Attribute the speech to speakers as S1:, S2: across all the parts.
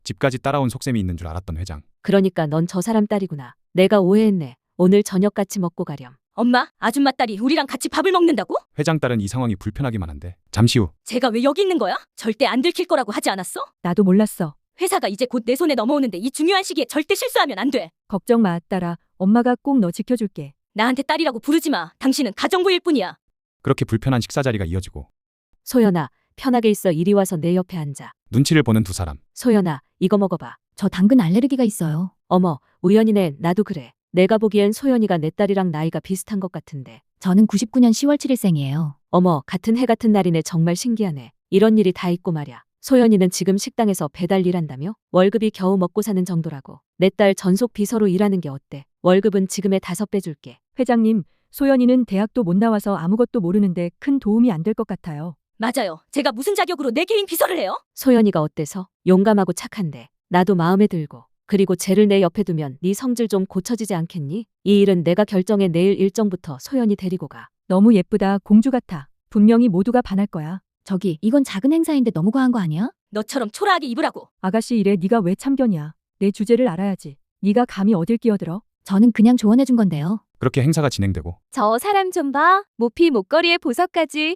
S1: 집까지 따라온 속셈이 있는 줄 알았던 회장.
S2: 그러니까 넌 저 사람 딸이구나. 내가 오해했네. 오늘 저녁 같이 먹고 가렴.
S3: 엄마, 아줌마 딸이 우리랑 같이 밥을 먹는다고?
S1: 회장 딸은 이 상황이 불편하기만 한데 잠시 후
S3: 제가 왜 여기 있는 거야? 절대 안 들킬 거라고 하지 않았어?
S4: 나도 몰랐어.
S3: 회사가 이제 곧 내 손에 넘어오는데 이 중요한 시기에 절대 실수하면 안 돼.
S4: 걱정 마, 딸아. 엄마가 꼭 너 지켜줄게.
S3: 나한테 딸이라고 부르지 마. 당신은 가정부일 뿐이야.
S1: 그렇게 불편한 식사 자리가 이어지고
S2: 소연아, 편하게 있어. 이리 와서 내 옆에 앉아.
S1: 눈치를 보는 두 사람.
S2: 소연아, 이거 먹어봐.
S5: 저 당근 알레르기가 있어요.
S2: 어머, 우연이네. 나도 그래. 내가 보기엔 소연이가 내 딸이랑 나이가 비슷한 것 같은데.
S5: 저는 99년 10월 7일생이에요.
S2: 어머, 같은 해 같은 날이네. 정말 신기하네. 이런 일이 다 있고 말야. 소연이는 지금 식당에서 배달 일한다며? 월급이 겨우 먹고 사는 정도라고. 내 딸 전속 비서로 일하는 게 어때? 월급은 지금의 5배 줄게.
S4: 회장님, 소연이는 대학도 못 나와서 아무것도 모르는데 큰 도움이 안 될 것 같아요.
S3: 맞아요. 제가 무슨 자격으로 내 개인 비서를 해요?
S2: 소연이가 어때서? 용감하고 착한데. 나도 마음에 들고. 그리고 쟤를 내 옆에 두면 네 성질 좀 고쳐지지 않겠니? 이 일은 내가 결정해. 내일 일정부터 소연이 데리고 가.
S4: 너무 예쁘다. 공주 같아. 분명히 모두가 반할 거야.
S5: 저기, 이건 작은 행사인데 너무 과한 거 아니야?
S3: 너처럼 초라하게 입으라고.
S4: 아가씨 일에 네가 왜 참견이야. 내 주제를 알아야지. 네가 감히 어딜 끼어들어?
S5: 저는 그냥 조언해준 건데요.
S1: 그렇게 행사가 진행되고
S6: 저 사람 좀 봐. 모피 목걸이에 보석까지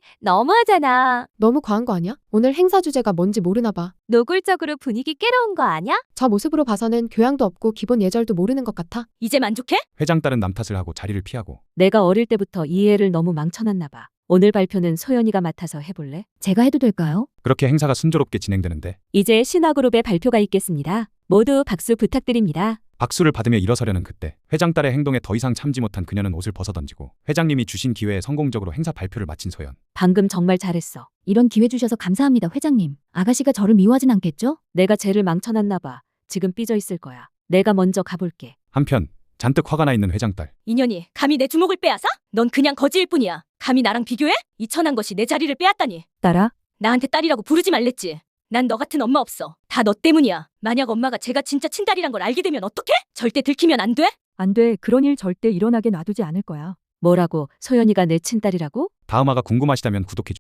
S6: 너무하잖아.
S7: 너무 과한 거 아니야? 오늘 행사 주제가 뭔지 모르나 봐.
S6: 노골적으로 분위기 깨러 온 거 아니야?
S7: 저 모습으로 봐서는 교양도 없고 기본 예절도 모르는 것 같아.
S3: 이제 만족해?
S1: 회장 딸은 남 탓을 하고 자리를 피하고
S2: 내가 어릴 때부터 이 애를 너무 망쳐놨나 봐. 오늘 발표는 소연이가 맡아서 해볼래?
S5: 제가 해도 될까요?
S1: 그렇게 행사가 순조롭게 진행되는데
S2: 이제 신화그룹의 발표가 있겠습니다. 모두 박수 부탁드립니다.
S1: 박수를 받으며 일어서려는 그때 회장 딸의 행동에 더 이상 참지 못한 그녀는 옷을 벗어던지고 회장님이 주신 기회에 성공적으로 행사 발표를 마친 소연.
S2: 방금 정말 잘했어.
S5: 이런 기회 주셔서 감사합니다, 회장님. 아가씨가 저를 미워하진 않겠죠?
S2: 내가 쟤를 망쳐놨나 봐. 지금 삐져 있을 거야. 내가 먼저 가볼게.
S1: 한편 잔뜩 화가 나 있는 회장 딸.
S3: 인연이 감히 내 주목을 빼앗아? 넌 그냥 거지일 뿐이야. 감히 나랑 비교해? 이 천한 것이 내 자리를 빼앗다니.
S4: 딸아,
S3: 나한테 딸이라고 부르지 말랬지. 난 너 같은 엄마 없어. 다 너 때문이야. 만약 엄마가 제가 진짜 친딸이란 걸 알게 되면 어떡해? 절대 들키면 안 돼?
S4: 안 돼. 그런 일 절대 일어나게 놔두지 않을 거야.
S2: 뭐라고? 소연이가 내 친딸이라고?
S1: 다음화가 궁금하시다면 구독해